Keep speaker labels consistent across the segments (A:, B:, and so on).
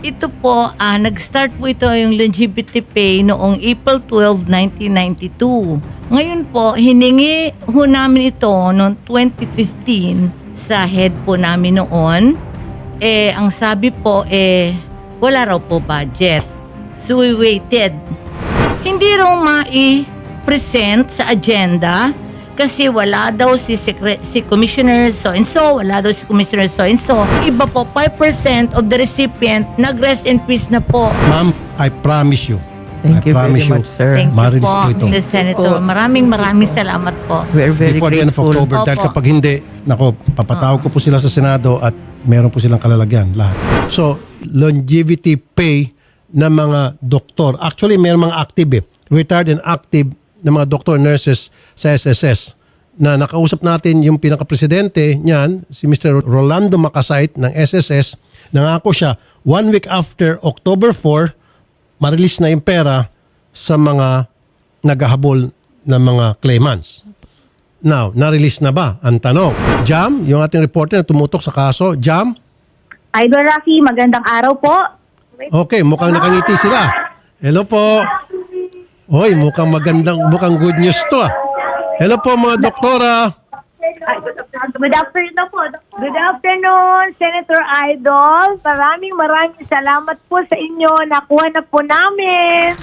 A: Ito po, nag-start po ito yung longevity pay noong April 12, 1992. Ngayon po, hiningi ho namin ito noong 2015 sa head po namin noon. Ang sabi po, wala raw po budget. So we waited. Hindi raw mai-present sa agenda kasi wala daw si Commissioner so-and-so, wala daw si Commissioner so-and-so. Iba po, 5% of the recipient nag-rest in peace na po.
B: Ma'am, I promise you.
C: Thank you very
B: promise
C: much, sir.
A: Thank you
B: Marilis
A: po,
B: po ito.
A: Mr. Senator. Maraming salamat po.
C: We are very
B: Before the end of
C: grateful.
B: October. Dahil
A: Opo.
B: kapag hindi, papatawag ko po sila sa Senado at meron po silang kalalagyan lahat. So, longevity pay ng mga doktor. Actually, meron mga active retired and active na mga doctor nurses sa SSS na nakausap natin yung pinaka-presidente niyan, si Mr. Rolando Macasait ng SSS. Nangako siya, 1 week after October 4, ma-release na yung pera sa mga naghahabol ng mga claimants. Now, na-release na ba? Ang tanong. Jam, yung ating reporter na tumutok sa kaso. Jam?
D: Idol Rocky, magandang araw po.
B: Okay, mukhang nakangiti sila. Hello po. Hoy, mukhang good news to ah. Hello po mga doktora.
D: Good afternoon po. Good afternoon, Senator Idol. Maraming salamat po sa inyo. Nakuha na po namin.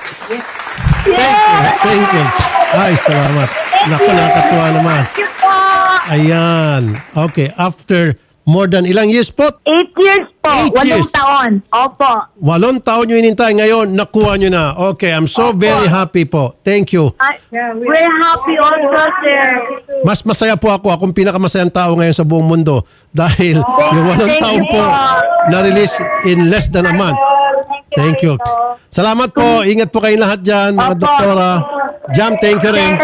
B: Thank you. Ay, salamat. Naku, nakakatuwa naman.
D: Thank you po.
B: Ayan. Okay, after more than ilang years po?
D: 8 years po.
B: 8 years.
D: 8 taon. Opo.
B: 8 taon nyo inintay. Ngayon, nakuha nyo na. Okay, I'm so very happy po. Thank you.
D: We're happy also, sir.
B: Mas masaya po ako. Akong pinakamasayang tao ngayon sa buong mundo. Dahil yung 8 taon po na-release in less than a month. Thank you. Salamat po. Ingat po kayong lahat dyan, mga
D: Opo.
B: doktora. Jam, thank you rin.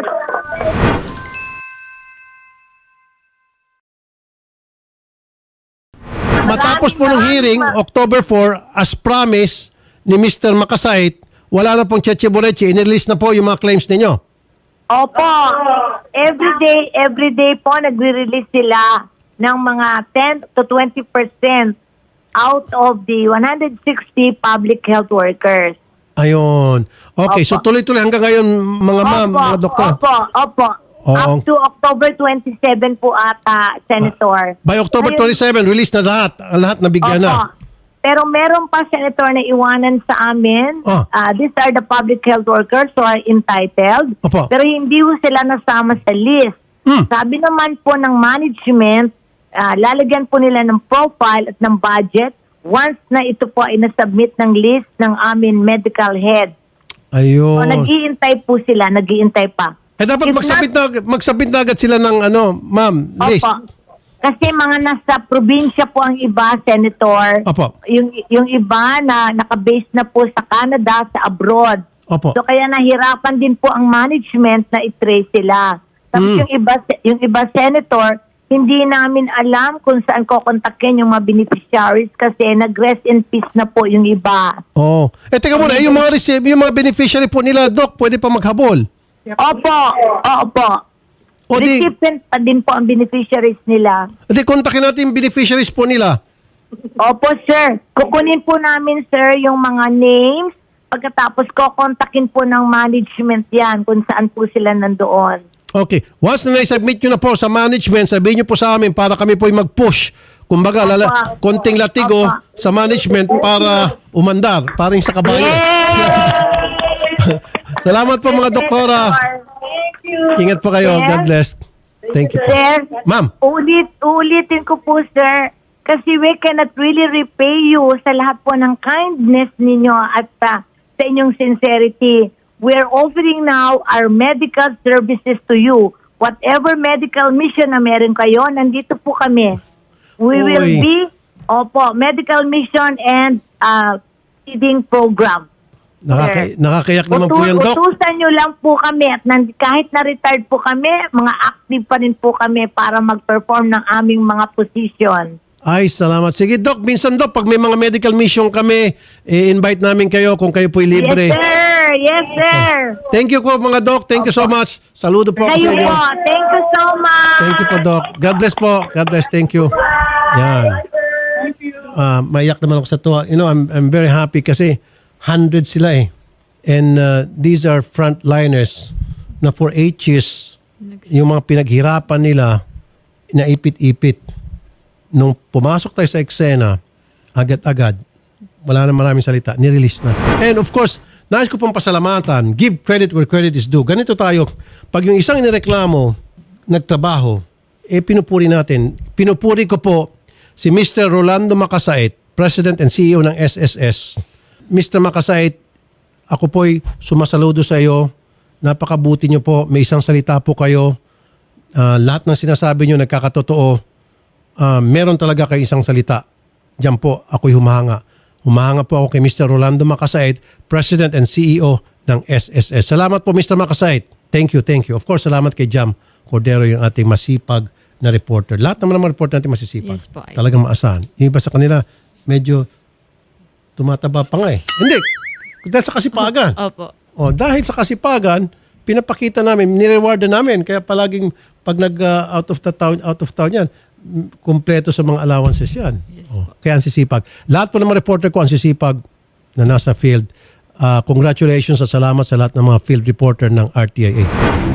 B: Matapos po ng hearing, October 4, as promised ni Mr. Macasait, wala na pong Cheche Boreche. In-release na po yung mga claims ninyo.
D: Opo. Every day po nagre-release sila ng mga 10 to 20% out of the 160 public health workers.
B: Ayun. Okay, so tuloy-tuloy hanggang ngayon, mga ma'am, mga doktor.
D: Opo.
B: Oo.
D: Up to October 27 po ata, Senator.
B: By October
D: Ngayon-
B: 27, release na lahat. Ang lahat nabigyan na.
D: Opo. Pero meron pa, Senator, na iwanan sa amin.
B: Oh.
D: These are the public health workers who are entitled.
B: Opo.
D: Pero hindi ho sila nasama sa list. Sabi naman po ng management, lalagyan po nila ng profile at ng budget once na ito po ay nasubmit ng list ng amin medical head. So,
B: Ayun.
D: nag-iintay po sila, nag-iintay pa.
B: Dapat
D: If
B: magsabit na agad sila ng ma'am, list.
D: Opo. Kasi mga nasa probinsya po ang iba, Senator.
B: Opo.
D: Yung iba na naka-base na po sa Canada, sa abroad.
B: Opo.
D: So kaya nahirapan din po ang management na i-trace sila. Tapos yung iba, Senator, hindi namin alam kung saan kokontakin yung mga beneficiaries kasi nag-rest in peace na po yung iba.
B: Oh. Teka muna, yung mga beneficiary po nila, Doc, pwede pa maghabol.
D: Opo.
B: O di,
D: Recipient pa din po ang beneficiaries nila.
B: kontakin natin yung beneficiaries po nila.
D: Opo, sir. Kukunin po namin, sir, yung mga names. Pagkatapos kontakin po ng management yan kung saan po sila nandoon.
B: Okay. Once na na-submit nyo na po sa management, sabihin nyo po sa amin para kami po mag-push. Kumbaga, konting latigo
D: Opo.
B: sa management para umandar. Parang sa kabayo. Salamat po mga doktora.
D: Thank you.
B: Ingat po kayo.
D: Sir?
B: God bless. Thank you po.
D: Sir,
B: Ma'am.
D: uulitin ko po, sir. Kasi we cannot really repay you sa lahat po ng kindness ninyo at sa inyong sincerity. We're offering now our medical services to you. Whatever medical mission na meron kayo, nandito po kami. We will
B: Uy.
D: be, medical mission and feeding program.
B: Nakakayak naman po yan, Doc.
D: Utusan nyo lang po kami at kahit na-retired po kami, mga active pa rin po kami para mag-perform ng aming mga position.
B: Ay, salamat. Sige, Doc. Minsan, Doc, pag may mga medical mission kami, i-invite namin kayo kung kayo po'y libre.
D: Yes, sir. Yes, sir.
B: Thank you po, mga Doc. Thank you so much. Saludo po ako sa
D: Kayo
B: inyo.
D: po. Thank you so much.
B: Thank you po, Doc. God bless po. God bless. Thank you. Yan. maiyak naman ako sa tuwa. You know, I'm very happy kasi 100 sila eh. And these are frontliners na for 8 years, yung mga pinaghirapan nila, naipit-ipit. Nung pumasok tayo sa eksena, agad-agad, wala na maraming salita, nirelease na. And of course, nais ko pong pasalamatan, give credit where credit is due. Ganito tayo, pag yung isang inireklamo, nagtrabaho, pinupuri natin. Pinupuri ko po si Mr. Rolando Macasait, President and CEO ng SSS. Mr. Macasait, ako po'y sumasaludo sa iyo. Napakabuti niyo po. May isang salita po kayo. Lahat ng sinasabi niyo nagkakatotoo. Meron talaga kayo isang salita. Diyan po, ako'y humahanga. Humahanga po ako kay Mr. Rolando Macasait, President and CEO ng SSS. Salamat po, Mr. Macasait. Thank you, thank you. Of course, salamat kay Jam Cordero, yung ating masipag na reporter. Lahat naman ng mga reporter natin masisipag.
C: Yes po,
B: Talagang maasahan. Yung iba sa kanila, medyo tumataba pa nga eh. Hindi. Dahil sa kasipagan.
C: Opo.
B: O, dahil sa kasipagan, pinapakita namin, nireward namin. Kaya palaging pag out of town yan, kumpleto sa mga allowances yan.
C: Yes
B: O, kaya ang sisipag. Lahat po ng mga reporter ko ang sisipag na nasa field. Congratulations at salamat sa lahat ng mga field reporter ng RTIA.